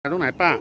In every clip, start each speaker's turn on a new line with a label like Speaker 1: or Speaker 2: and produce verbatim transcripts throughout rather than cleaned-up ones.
Speaker 1: ตรงไหนป้า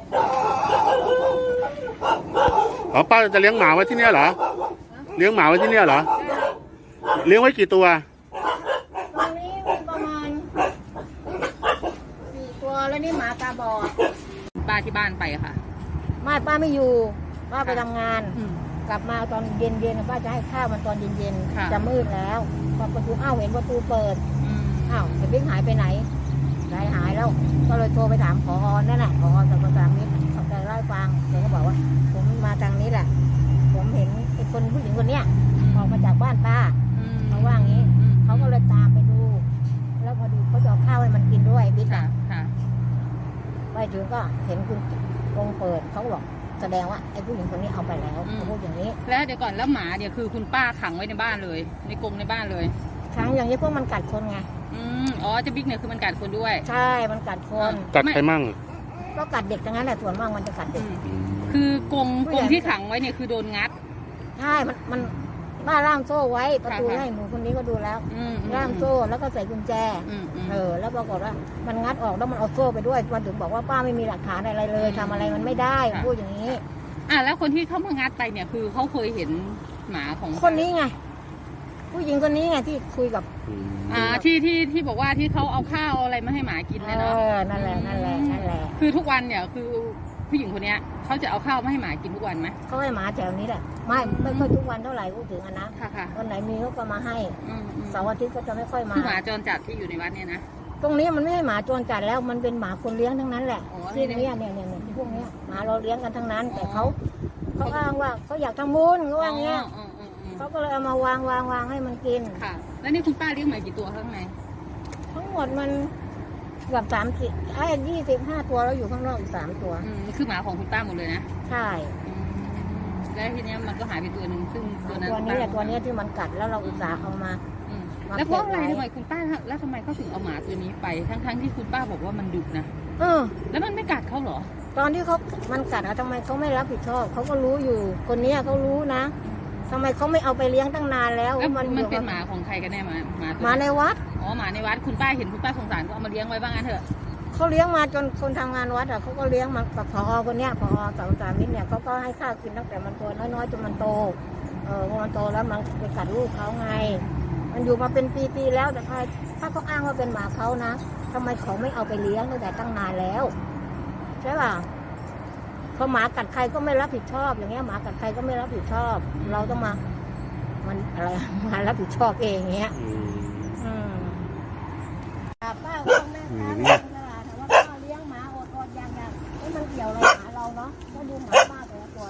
Speaker 1: อ๋อป้าจะเลี้ยงหมาไว้ที่นี่เหรอเลี้ยงหมาไว้ที่นี่เหรอเลี้ยงไว้กี่ตัว
Speaker 2: ตอนนี้มีประมาณสี่ตัวแล้วนี่หมาตาบอด
Speaker 3: ป้าที่บ้านไปค่ะ
Speaker 2: ไม่ป้าไม่อยู่ป้าไปทำงานกลับมาตอนเย็นๆป้าจะให้ข้าวมันตอนเย็นๆจะมืดแล้วพอประตูอ้าวเห็นประตูเปิดอ้าวแต่บิ๊กหายไปไหนใจหายแล้วก็เลยโทรไปถามผอนั่นแหละผอสำนักงานมิตรเขาจะเล่าให้ฟังเขาก็บอกว่าผมมาทางนี้แหละผมเห็นไอ้คนผู้หญิงคนเนี้ยออกมาจากบ้านป้าเขาว่างี้เขาก็เลยตามไปดูแล้วพอดูเขาจะเอาข้าวให้มันกินด้วยบิ๊กอ่ะไปถึงก็เห็นคุณกงเปิดเขาบอกแสดงว่าไอ้ผู้หญิงคนนี้เอาไปแล้วเขาพูดอย่างนี้
Speaker 3: แล้วเดี๋ยวก่อนแล้วหมาเดี๋ยวคือคุณป้าขังไว้ในบ้านเลยในกรงในบ้านเลย
Speaker 2: ขังอย่างนี้พวกมันกัดคนไง
Speaker 3: อืมอ๋อเจ้าบิ๊กเนี่ยคือมันกัดคนด้วย
Speaker 2: ใช่มันกัดคน
Speaker 1: กัดใครมั่ง
Speaker 2: ก็กัดเด็กทั้งนั้นแหละส่วนมากมันจะกัดเด็ก
Speaker 3: คือกรงกรงที่ขังไว้เนี่ยคือโดนงัด
Speaker 2: ใช่มันมันบ้าล่ามโซ่ไว้ประตูให้หนูคนนี้ก็ดูแล้วล่ามโซ่แล้วก็ใส่กุญแจเออแล้วปรากฏว่ามันงัดออกแล้วมันเอาโซ่ไปด้วยมันถึงบอกว่าป้าไม่มีหลักฐานอะไรเลยทำอะไรมันไม่ได้พูดอย่างนี้
Speaker 3: อ่ะแล้วคนที่เขามางัดไปเนี่ยคือเขาเคยเห็นหมาของ
Speaker 2: คนนี้ไงผู้หญิงคนนี้ไงที่คุยกับ
Speaker 3: อ่าที่ที่ที่บอกว่าที่เขาเอาข้าวอะไรมาให้หมากินเนี่ยเนาะ
Speaker 2: นั่นแหละนั่นแหละนั่นแหละ
Speaker 3: คือทุกวันเนี่ยคือผู้หญิงคนนี้เขาจะเอาข้าวมาให้หมากินทุกวันไหม
Speaker 2: เขาให้หมาแถวนี้แหละไม่ไม่ค่อยทุกวันเท่าไหร่พูดถึงอะนะวันไหนมีเขาก็มาให้เสาร์อาทิตย์ก็จะไม่ค่อยมา
Speaker 3: คือหมาจรจัดที่อยู่ในวัดเนี่ยนะ
Speaker 2: ตรงนี้มันไม่ใช่หมาจรจัดแล้วมันเป็นหมาคนเลี้ยงทั้งนั้นแหละที่นี่เนี่ยเนี่ยเนี่ยที่พวกนี้หมาเราเลี้ยงกันทั้งนั้นแต่เขาเขาอ้างว่าเขาอยากทำบุญเขาว่างี้เขาก็เลยเอามาวางวางวางให้มันกิน
Speaker 3: ค่ะแล้วนี่คุณป้าเลี้ยงหมากี่ตัวข้างใน
Speaker 2: ทั้งหมดมันเกือบสามสิบไอ้ยี่สิบห้าตัวแล้วอยู่ข้างนอกอีกสามตัว
Speaker 3: นี่คือหมาของคุณป้าหมดเลยนะ
Speaker 2: ใช่
Speaker 3: แล้วทีนี้มันก็หายไปตัวหนึ่งซึ่งตัวนั้น
Speaker 2: ตัวนี้แหละตัวนี้ที่มันกัดแล้วเราอุตส่าห์เอามา
Speaker 3: แล้วเพราะอะไรทำไมคุณป้าแล้วทำไมเขาถึงเอาหมาตัวนี้ไปทั้งๆที่คุณป้าบอกว่ามันดุนะ
Speaker 2: เออ
Speaker 3: แล้วมันไม่กัดเขาเหรอ
Speaker 2: ตอนที่เขามันกัดอะทำไมเขาไม่รับผิดชอบเขาก็รู้อยู่คนนี้เขารู้นะทำไมเขาไม่เอาไปเลี้ยงตั้งนานแล้ว
Speaker 3: มันมันเป็นหมาของใครกันแน่หมาหมา
Speaker 2: หมาในวัด
Speaker 3: อ๋อหมาในวัดคุณป้าเห็นคุณป้าสงสารก็เอามาเลี้ยงไว้บ้างงั้นเถอะ
Speaker 2: เขาเลี้ยงมาจนคนทำงานวัดอะเขาก็เลี้ยงมากับผอคนเนี้ยผอสาวสามิตรเนี่ยเขาก็ให้ข้าวกินตั้งแต่มันตัวน้อยๆจนมันโตเออพอมันโตแล้วมันไปกัดลูกเขาไงมันอยู่มาเป็นปีๆแล้วแต่ถ้าเขาอ้างว่าเป็นหมาเขานะทำไมเขาไม่เอาไปเลี้ยงตั้งแต่ตั้งนานแล้วใช่ป่ะพอหมากัดใครก็ไม่รับผิดชอบอย่างเงี้ยหมากัดใครก็ไม่รับผิดชอบเราต้องมามันอะไรมารับผิดชอบเองเงี้ยอืมป้าก็แม่ค้าตลาดแต่ว่าป้าเลี้ยงหมาอดๆอย่างอย่างนี่มันเกี่ยวอะไรหมาเราเนาะก็ดูหมาป้าแต่ละตัว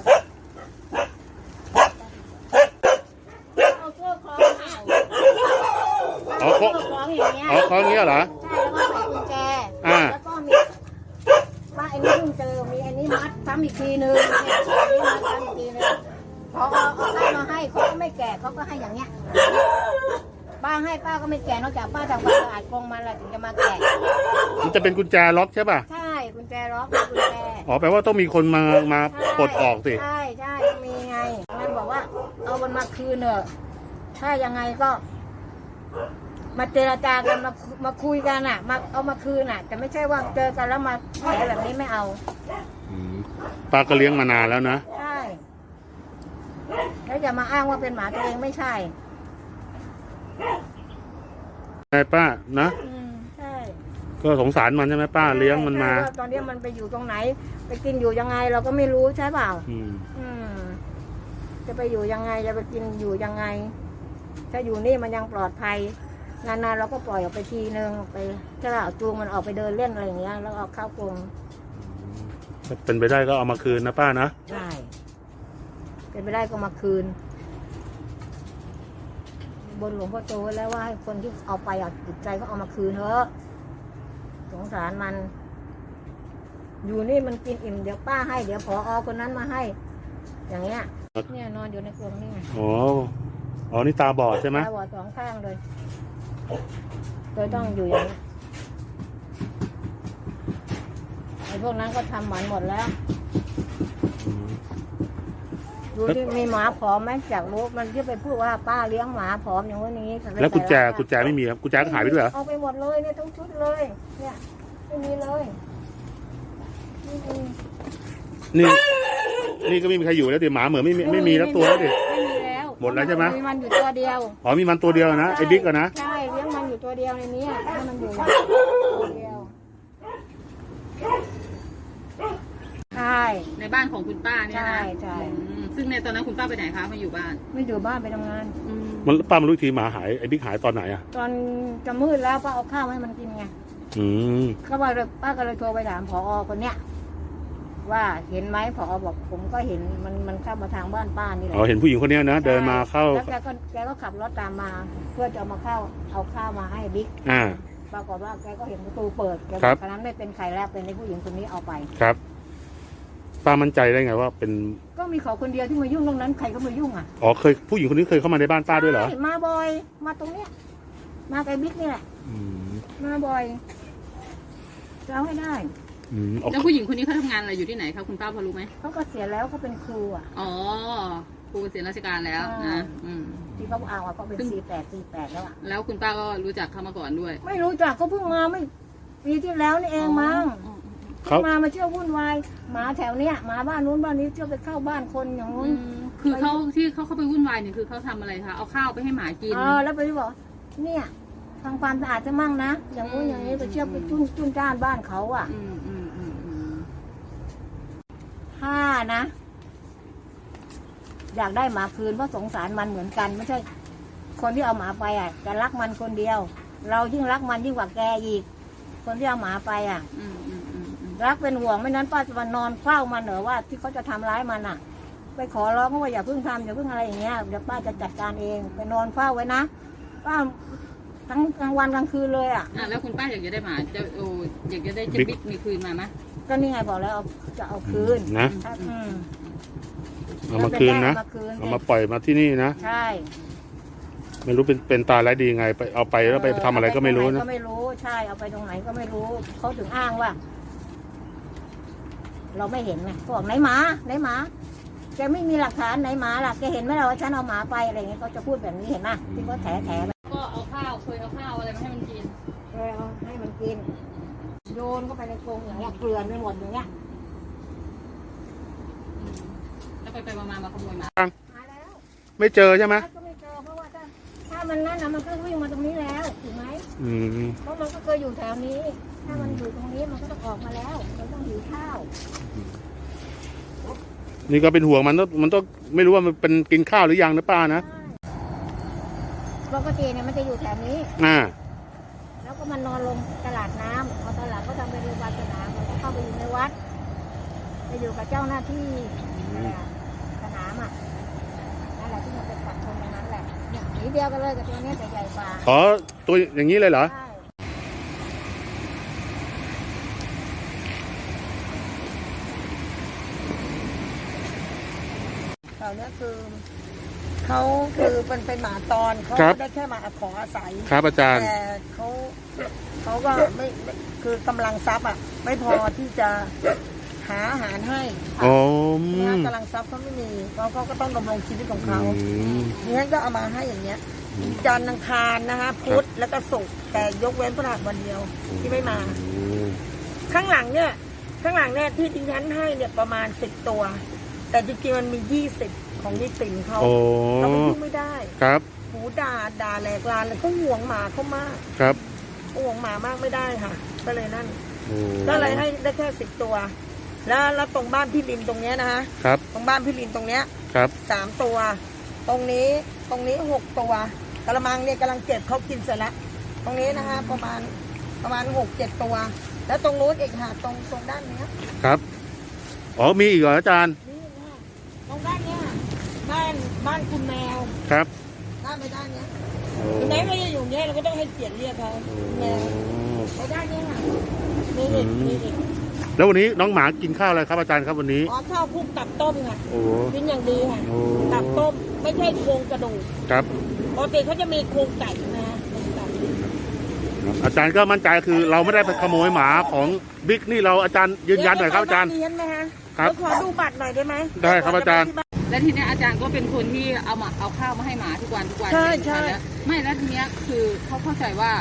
Speaker 2: เอาเสื้อคล้องเอาเสื้อคล้องอย่างเงี้ย
Speaker 1: เอาคล้องเงี้ยเหรอ
Speaker 2: ใช่แล้วก็ใส่กุญแจแล้วก็มีป้าไอ้นี่เพิ่งเจอมีไอ้นี่มัดซ้ำอีกทีนึงเนี่ยไอ้นี่มัดซ้ำอีกทีนึงพอเอาข้าวมาให้เขาก็ไม่แก่เขาก็ให้อย่างเงี้ยป้าให้ป้าก็ไม่แก่นอกจากป้าทำความสะอาดกรงมันแหละถึงจะมาแก่
Speaker 1: มันจะเป็นกุญแจล็อกใช่ป่ะ
Speaker 2: ใช่กุญแจล็อกกุญแจ
Speaker 1: อ๋อแปลว่าต้องมีคนมามาปลดออกสิ
Speaker 2: ใช่ใช่มีไงมันบอกว่าเอามันมาคืนเถอะถ้ายังไงก็มาเจรจากันมามาคุยกันอ่ะมาเอามาคืนอ่ะแต่ไม่ใช่ว่าเจอกันแล้วมาแผลแบบนี้ไม่เอา
Speaker 1: ป้าก็เลี้ยงมานานแล้วนะ
Speaker 2: ใช่แล้วจะมาอ้างว่าเป็นหมาตัวเองไม่ใช่
Speaker 1: ใช่ป้านะ
Speaker 2: ใช่
Speaker 1: ก็สงสารมันใช่ไหมป้าเลี้ยงมันมา
Speaker 2: ตอนนี้มันไปอยู่ตรงไหนไปกินอยู่ยังไงเราก็ไม่รู้ใช่เปล่าอืมจะไปอยู่ยังไงจะไปกินอยู่ยังไงถ้าอยู่นี่มันยังปลอดภัยนานๆเราก็ปล่อยออกไปทีนึงไปถ้าเราจูงมันออกไปเดินเล่นอะไรอย่างเงี้ยแล้วเอาเข้ากรง
Speaker 1: ถ้าเป็นไปได้ก็เอามาคืนนะป้านะ
Speaker 2: ใช่เป็นไปได้ก็มาคืนบนหลวงพ่อโตแล้วว่าให้คนที่เอาไปอ่ะจิตใจก็เอามาคืนเถอะสงสารมันอยู่นี่มันกินอิ่มเดี๋ยวป้าให้เดี๋ยวผอคนนั้นมาให้อย่างเงี้ยเนี่ยนอนอยู่ในกรงนี่
Speaker 1: อ๋ออ๋อนี่ตาบอดใช่ไหม
Speaker 2: ตาบอดสองข้างเลยโดยต้องอยู่อย่างนี้ไอ้พวกนั้นก็ทำหมันหมดแล้วดูที่มีหมาผอมไหมจากรู้มันที่ไปพูดว่าป้าเลี้ยงหมาผอมอย่างวันนี้
Speaker 1: แล้วกุญแจกุญแจไม่มีครับกุญแจก็หายไปด้วยเหรอ
Speaker 2: เอาไปหมดเลยเนี่ยทั้งชุดเลยเนี่ยไม่มีเลย
Speaker 1: นี่ นี่ก็ไม่มีใครอยู่แล้วดิหมาเหมือนไม่มีไม่มีแล้วตัวแล้วดิ
Speaker 2: ไม่มีแล้ว
Speaker 1: หมดแล้วใช่ไหม
Speaker 2: มีมันอยู่ตัวเดียว
Speaker 1: อ๋อมีมันตัวเดียวนะไอ้บิ๊กอะนะ
Speaker 2: ใช่เลี้ยงมันอยู่ตัวเดียวในนี้ให้มันอยู่ตัวเดียวใช่
Speaker 3: ในบ้านของคุณป้าเนี่ย
Speaker 2: ใช่
Speaker 3: นะ
Speaker 2: ใช่
Speaker 3: อืมซึ่งในตอนนั้นคุณป้าไปไหนคะมาอยู่บ้าน
Speaker 2: ไม่อยู่บ้านไปทำงาน
Speaker 3: อืม
Speaker 1: มันป้ามารู้อีกทีหมาหายไอ้บิ๊กหายตอนไหนอ่ะ
Speaker 2: ตอนจะมืดแล้วป้าเอาข้าวให้มันกินไง
Speaker 1: อืม
Speaker 2: ก็ว่าเลยป้าก็เลยโทรไปถามผอคนเนี้ยว่าเห็นไหมผอบอกผมก็เห็นมันมันเข้ามาทางบ้านป้านี่แหละ
Speaker 1: อ๋อเห็นผู้หญิงคนเนี้ยนะเดินมาเข้า
Speaker 2: แล้วแกก็แกก็ขับรถตามมา เพื่อจะเอามาเข้าเอาข้าวมาให้บิ๊ก
Speaker 1: อ่า
Speaker 2: ปรากฏว่าแกก็เห็นประตูเปิดแก
Speaker 1: ครับ
Speaker 2: ตอนนั้นไม่เป็นใครแล้วเป็นในผู้หญิงคนนี้เอาไป
Speaker 1: ครับป้ามั่นใจได้ไงว่าเป็น
Speaker 2: ก็มีเขาคนเดียวที่มายุ่งตรงนั้นใครก็มายุ่งอ่ะ
Speaker 1: อ๋อเคยผู้หญิงคนนี้เคยเข้ามาในบ้านป้าด้วยเหรอ
Speaker 2: ใช่มาบ่อย มาตรงเนี้ยมากับบิ๊กนี่แหละ
Speaker 1: อืม
Speaker 2: มาบ่อยจะเอาให้ได้
Speaker 1: อืมเอา
Speaker 3: แล้วผู้หญิงคนนี้เขาทำงานอะไรอยู่ที่ไหนคะคุณป้าพอรู้ไหม
Speaker 2: เขาก็เสียแล้วเขาเป็นครูอ่ะ
Speaker 3: อ๋อครูเกษียณราชการแล้ว
Speaker 2: อ่า
Speaker 3: นะอืม
Speaker 2: ที่เขาเอาอ่ะเขาเป็นสี่แปดสี่แปดแล้วอ่ะ
Speaker 3: แล้วคุณป้าก็รู้จักเขามาก่อนด้วย
Speaker 2: ไม่รู้จักเขาเพิ่งมาไม่ปีที่แล้วนี่เองมั้ง
Speaker 3: อ๋อ
Speaker 2: เพิ่งมามาเที่ยววุ่นวายหมาแถวเนี้ยหมาบ้านนู้นบ้านนี้เที่ยวไปเข้าบ้านคนอย่าง
Speaker 3: อ๋อ
Speaker 2: นู้น
Speaker 3: อืมคือเขาที่เขาเข้าไปวุ่นวายเนี่ยคือเขาทำอะไรคะเอาข้าวไปให้หมากิน
Speaker 2: เออแล้วไปบอกเนี่ยทำความสะอาดจะมั่งนะอย่างนู้นอย่างนี้ไปเที่ยวไปจุ้นจุ้นจ้านบ้านเขาอ่ะ
Speaker 3: อืมอืมอืมอืม
Speaker 2: ถ้านะ อยากได้หมาคืนเพราะสงสารมันเหมือนกัน ไม่ใช่ คนที่เอาหมาไปอ่ะจะรักมันคนเดียว เรายิ่งรักมันยิ่งกว่าแกอีก คนที่เอาหมาไปอ่ะ
Speaker 3: อืมอืมอืมอืม
Speaker 2: รักเป็นห่วงไม่นั้นป้าจะมานอนเฝ้ามันเหรอว่าที่เขาจะทำร้ายมันอ่ะ ไปขอร้องเขาว่าอย่าเพิ่งทำอย่าเพิ่งอะไรอย่างเงี้ยเดี๋ยวป้าจะจัดการเองไปนอนเฝ้าไว้นะป้าทั้งกลางวันกลางคืนเลยอ่ะ
Speaker 3: อ่ะแล้วคุณป้าอยากจะได้หมาจะโอ้อยากจะได้เจะบิ๊กมีคืนมาไหม
Speaker 2: ก็นี่ไงบอกแล้วเอาจะเอาคืน
Speaker 1: นะ
Speaker 2: ถ้าอืม
Speaker 1: เอามาคืนนะ
Speaker 2: เอามาคืน
Speaker 1: เอามาปล่อยมาที่นี่นะ
Speaker 2: ใช่
Speaker 1: ไม่รู้เป็นเป็นตาไรายดีไงไปเอาไปแล้วไปทำอะไรก็ไม่รู้
Speaker 2: เอาปตงห
Speaker 1: นะ
Speaker 2: ก็ไม่รู้ใช่เอาไปตรงไหนก็ไม่รู้เขาถึงอ้างว่า เราไม่เห็นไงเขาบอกไหนหมาไหนหมาแกไม่มีหลักฐานไหนหมาล่ะแกเห็นไหมล่ะว่าฉันเอาหมาไปอะไรอย่างเงี้ยเขาจะพูดแบบนี้เห็นไหมที่เขาแถแถไป
Speaker 3: ก็เอาข้าวเคยเอาข้าวอะไรมาให้มันกิน
Speaker 2: เลยเอาให้มันกินโยนเข้าไปในกรงอย่างเงี้ยเกลือนไปหมดอย่างเงี้ย
Speaker 3: แล้วไปไปมามามาขโมยหมา
Speaker 2: มาแล้ว
Speaker 1: ไม่เจอใช่ไหม
Speaker 2: ก็ไม่เจอเพราะว่าถ้าถ้ามันนั่นนะมันก็วิ่งมาตรงนี้แล้วถูกไหม
Speaker 1: อืม
Speaker 2: เพราะมันก็เคยอยู่แถวนี้ ถ้ามันอยู่ตรงนี้มันก็ต้องออกมาแล้วมันต้องหิวข้าว
Speaker 1: นี่ก็เป็นห่วงมันต้องมันต้องไม่รู้ว่ามันเป็นกินข้าวหรือยังนะป้านะ
Speaker 2: ปกติเนี่ยมันจะอยู่แถวนี้
Speaker 1: อ่า
Speaker 2: แล้วก็มันนอนลงตลาดน้ำพอตลาดก็ทำเป็นโรงพยาบาลสนามมันก็เข้าไปอยู่ในวัดไปอยู่กับเจ้าหน้าที่อะไรอะสนามอ่ะนั่นแหละที่มันเป็นสัตว์คนในนั้นแหละเนี่ยสีเดียวกันเลยกับตัวเนี้ยแต่ใหญ่กว่า
Speaker 1: อ๋อตัวอย่างนี้เลยเหรอ
Speaker 2: ใช่เขาเนี่ยคือเขาคือเป็นเป็นหมาตอนเขา
Speaker 1: ครับ
Speaker 2: ไม่ได้แค่มาขออาศัย
Speaker 1: ครับอาจารย์
Speaker 2: แต่เขาเขาก็ไม่ไม่คือกำลังทรัพย์อ่ะ ไม่พอที่จะหาอาหารให้
Speaker 1: อ๋อ
Speaker 2: เนี่ยกำลังทรัพย์เขาไม่มีเขาเขาก็ต้องดำรงชีวิตของเขา
Speaker 1: อืม
Speaker 2: เนี่ยก็เอามาให้อย่างเงี้ยจันทร์อังคารนะคะพุธแล้วก็ศุกร์แต่ยกเว้นพฤหัสวันเดียวที่ไม่มา
Speaker 1: อืม
Speaker 2: ข้างหลังเนี่ย ข้างหลังเนี่ยที่ดิฉันให้เนี่ยประมาณสิบตัว แต่จริงๆมันมียี่สิบของยี่สิบเขา
Speaker 1: โอ้
Speaker 2: เราไปยุ่งไม่ได้
Speaker 1: ครับ
Speaker 2: หูด่าด่าแหลกลานเลยเขาห่วงหมาเขามาก
Speaker 1: ครับ
Speaker 2: เขาห่วงหมามากไม่ได้ค่ะ ก็เลยนั่น
Speaker 1: โอ้
Speaker 2: ก็เลยให้ได้แค่สิบตัว แล้วแล้วตรงบ้านพี่ลินตรงเนี้ยนะคะ
Speaker 1: ครับ
Speaker 2: ตรงบ้านพี่ลินตรงเนี้ย
Speaker 1: ครับ
Speaker 2: สามตัว ตรงนี้ตรงนี้หกตัวกระมังเนี่ยกำลังเก็บเขากินเสร็จแล้วตรงนี้นะคะ ประมาณประมาณหกเจ็ดตัว แล้วตรงนู้นอีกค่ะตรงตรงด้านเนี้ย
Speaker 1: ครับอ๋อมีอีกเหรออาจารย์
Speaker 2: นี่นะตรงด้านเนี้ยบ้านบ้านคุณแมว
Speaker 1: ครับ
Speaker 2: ด้านไปด้านเนี้ย
Speaker 1: โอ้
Speaker 2: ถึงแม้เขาจะอยู่เนี้ยเราก็ต้องให้เกียรติเรียกเขาคุณแมวไปด้านเนี้ยค่ะมีอีกมีอีก
Speaker 1: แล้ววันนี้น้องหมากินข้าวอะไรครับอาจารย์ครับวันนี้
Speaker 2: อ๋อข้าวคลุกตับต้มค่ะ
Speaker 1: โอ้
Speaker 2: กินอย่างดีค่ะ
Speaker 1: โอ้
Speaker 2: ตับต้มไม่ใช่โครงกระดูก
Speaker 1: ครับ
Speaker 2: ปกติเขาจะมีโครงไก่นะฮะโครงไก่
Speaker 1: อาจารย์ก็มั่นใจคือเราไม่ได้ไปขโมยหมาของบิ๊กนี่เราอาจารย์ยืนยันหน่อยครับอาจารย์
Speaker 2: เรียนไหมฮะ
Speaker 1: ครับ
Speaker 2: เดี๋ยวขอดูบัตรหน่อยได้ไหม
Speaker 1: ได้ครับอาจารย์
Speaker 3: และทีเนี้ยอาจารย์ก็เป็นคนที่เอามาเอาข้าวมาให้หมาทุกวันทุกวัน
Speaker 2: ใช่ใช่
Speaker 3: แล้วไม่แล้วทีเนี้ยคือเขาเข้าใจว่า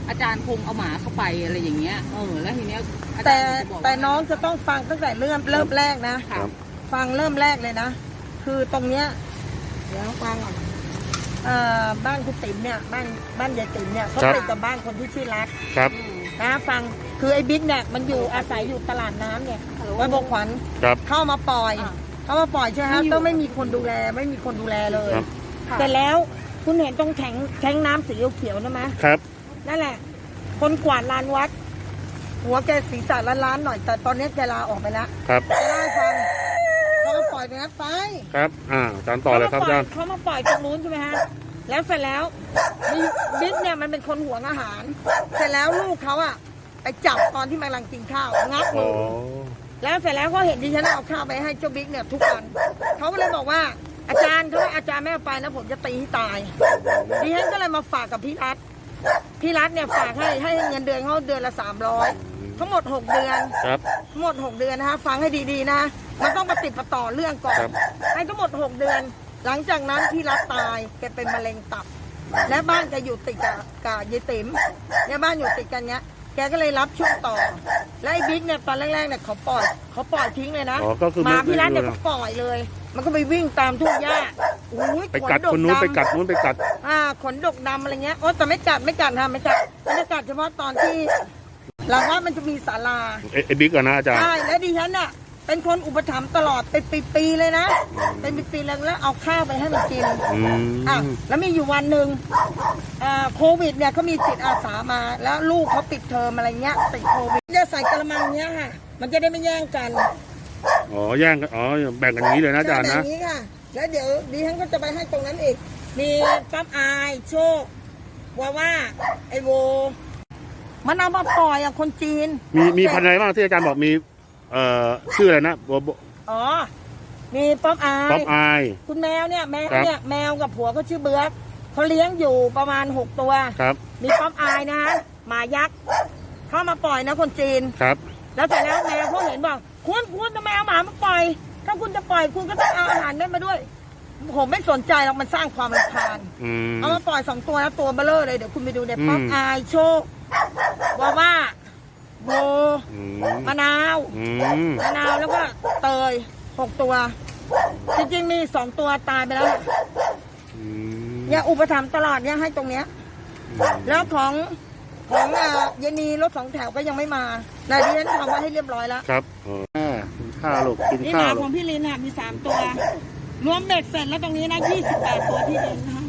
Speaker 3: อาจารย์คงเอาหมาเข้าไปอะไรอย่างเงี้ยเออแล้วทีเนี้ยอาจารย์
Speaker 2: แต่
Speaker 3: จะบอกว่า
Speaker 2: แต่น้องจะต้องฟังตั้งแต่เริ่มเริ่มแรกนะ
Speaker 1: ครับ
Speaker 2: ฟังเริ่มแรกเลยนะ คือตรงเนี้ยเดี๋ยวฟังก่อนเอ่อบ้านคุณติ๋มเนี่ยบ้านบ้านยายติ๋มเนี่ยเขา
Speaker 1: ครับ
Speaker 2: ติดกับบ้านคนที่ชื่อรัก
Speaker 1: ครับ
Speaker 3: อืม
Speaker 2: นะฟังคือไอ้บิ๊กเนี่ยมันอยู่อาศัยอยู่ตลาดน้ำเนี่ยวัดบกขวัญ
Speaker 1: ครับ
Speaker 2: เข้ามาปล่อย
Speaker 3: อ่า
Speaker 2: เข้ามาปล่อยใช่ไหมฮะก็ไม่มีคนดูแลไม่มีคนดูแลเลย
Speaker 1: ครับ
Speaker 3: ค่ะ
Speaker 2: เสร็จแล้วคุณเห็นตรงแข็งแข็งน้ำสีเขียวๆนะไหม
Speaker 1: ครับ
Speaker 2: นั่นแหละ คนกวาดลานวัด หัวแกศีรษะล้านๆหน่อย แต่ตอนนี้แกลาออกไปแล้ว
Speaker 1: ครับ
Speaker 2: จะได้ฟังเขาก็ปล่อยไปนะไป
Speaker 1: ครับ อ่าอาจารย์ต่อเลยครับอาจารย์
Speaker 2: เขามาปล่อยตรงนู้นใช่ไหมฮะแล้วเสร็จแล้วบิ๊กเนี่ยมันเป็นคนหวงอาหาร เสร็จแล้วลูกเขาอะไปจับตอนที่มันกำลังกินข้าวงับ
Speaker 1: อ๋
Speaker 2: มื
Speaker 1: อ
Speaker 2: อ แล้วเสร็จแล้วเขาเห็นดิฉันเอาข้าวไปให้เจ้าบิ๊กเนี่ยทุกวันเขาก็เลยบอกว่าอาจารย์เขาว่าอาจารย์ไม่เอาไปนะผมจะตีให้ตายดิฉันก็เลยมาฝากกับพี่รัฐพี่รัฐเนี่ยฝากให้ให้เงินเดือนเขาเดือนละสามร้อยทั้งหมดหกเดือน
Speaker 1: ครับ
Speaker 2: ทั้งหมดหกเดือนนะคะฟังให้ดีๆนะมันต้องปฏิดประต่อเรื่องก่อน
Speaker 1: ครับ
Speaker 2: ให้ทั้งหมดหกเดือน หลังจากนั้นพี่รัฐตายแกเป็นมะเร็งตับ และบ้านแกอยู่ติดกับกับยายติ๋มเนี่ยบ้านอยู่ติดกันเนี้ยแกก็เลยรับช่วงต่อ และไอ้บิ๊กเนี่ยตอนแรกๆเนี่ยเขาปล่อยเขาปล่อยทิ้งเลยนะ
Speaker 1: อ๋อก็คือ
Speaker 2: หมาพี่รัฐ
Speaker 1: ไม่
Speaker 2: เนี่ย
Speaker 1: ไม่
Speaker 2: ก็ปล่อยเลย มันก็ไปวิ่งตามทุ่งหญ้าอุ้ย
Speaker 1: ไปกัดคนนู้นไปกัดนู้นไปกัด
Speaker 2: อ่าขนดกดำอะไรเงี้ยโอ้แต่ไม่กัดไม่กัดค่ะไม่กัดมันจะกัดเฉพาะตอนที่หลังว่ามันจะมีศาลา
Speaker 1: เอ้ไอ้บิ๊กก่อนนะอาจารย์
Speaker 2: ใช่และดิฉันน่ะเป็นคนอุปถัมภ์ตลอดเป็นปีๆเลยนะเป็นปีๆเลยแล้วเอาข้าวไปให้มันกิน
Speaker 1: อืม
Speaker 2: อ่ะแล้วมีอยู่วันหนึ่งอ่าโควิดเนี่ยเขามีจิตอาสามา แล้วลูกเขาปิดเทอมอะไรเงี้ยติดโควิดจะใส่กระมังเนี้ยค่ะ มันจะได้ไม่แย่งกัน
Speaker 1: อ๋อแย่งกันอ๋อแบ่งกันอย่างนี้เลยนะอาจารย์
Speaker 2: ใช่
Speaker 1: นะ
Speaker 2: แบบนี้ค่ะ แล้วเดี๋ยวดิฉันก็จะไปให้ตรงนั้นอีก มีปั๊บอายโชคว่าว่าไอโว มันเอามาปล่อยอ่ะคนจีน
Speaker 1: มีมีพันธุ์อะไรบ้างที่อาจารย์บอกมีเอ่อชื่ออะไรนะโบโบ
Speaker 2: อ๋อ มีป๊อปอาย
Speaker 1: ป๊อปอาย
Speaker 2: คุณแมวเนี่ยแมว
Speaker 1: ครับ
Speaker 2: เนี่ยแมวกับผัวเขาชื่อเบิร์กเขาเลี้ยงอยู่ประมาณหกตัว
Speaker 1: ครับ
Speaker 2: มีป๊อปอายนะฮะหมายักษ์เข้ามาปล่อยนะคนจีน
Speaker 1: ครับ
Speaker 2: แล้วเสร็จแล้วแมวเขาเห็นบอกคุณคุณจะแมวหมามาปล่อย ถ้าคุณจะปล่อยคุณก็ต้องเอาอาหารได้มาด้วย ผมไม่สนใจหรอกมันสร้างความรำคาญ
Speaker 1: อืม
Speaker 2: เอามาปล่อยสองตัวนะตัวเบลเลอร์เลยเดี๋ยวคุณไปดูเนี่ย
Speaker 1: อืม
Speaker 2: ป๊อปอายโชคว่าว่าโบ
Speaker 1: อืม
Speaker 2: มะนาว
Speaker 1: อืม
Speaker 2: มะนาวแล้วก็เตยหกตัว จริงๆมีสองตัวตายไปแล้ว
Speaker 1: อืม
Speaker 2: เนี่ยอุปถัมภ์ตลอดเนี่ยให้ตรงเนี้ย แล้วของของอ่ะเยนีรถสองแถวก็ยังไม่มาแต่ดิฉันทำไว้ให้เรียบร้อยแล้ว
Speaker 1: ครับอ๋อแม่กินข้าวลูกกิน
Speaker 2: นี่ห
Speaker 1: ข้า
Speaker 2: มาว
Speaker 1: ลู
Speaker 2: ข
Speaker 1: ก
Speaker 2: องพี่ลินอ่ะมีสามตัว รวมเบ็ดเสร็จแล้วตรงนี้นะยี่สิบแปดตัวที่ลินให้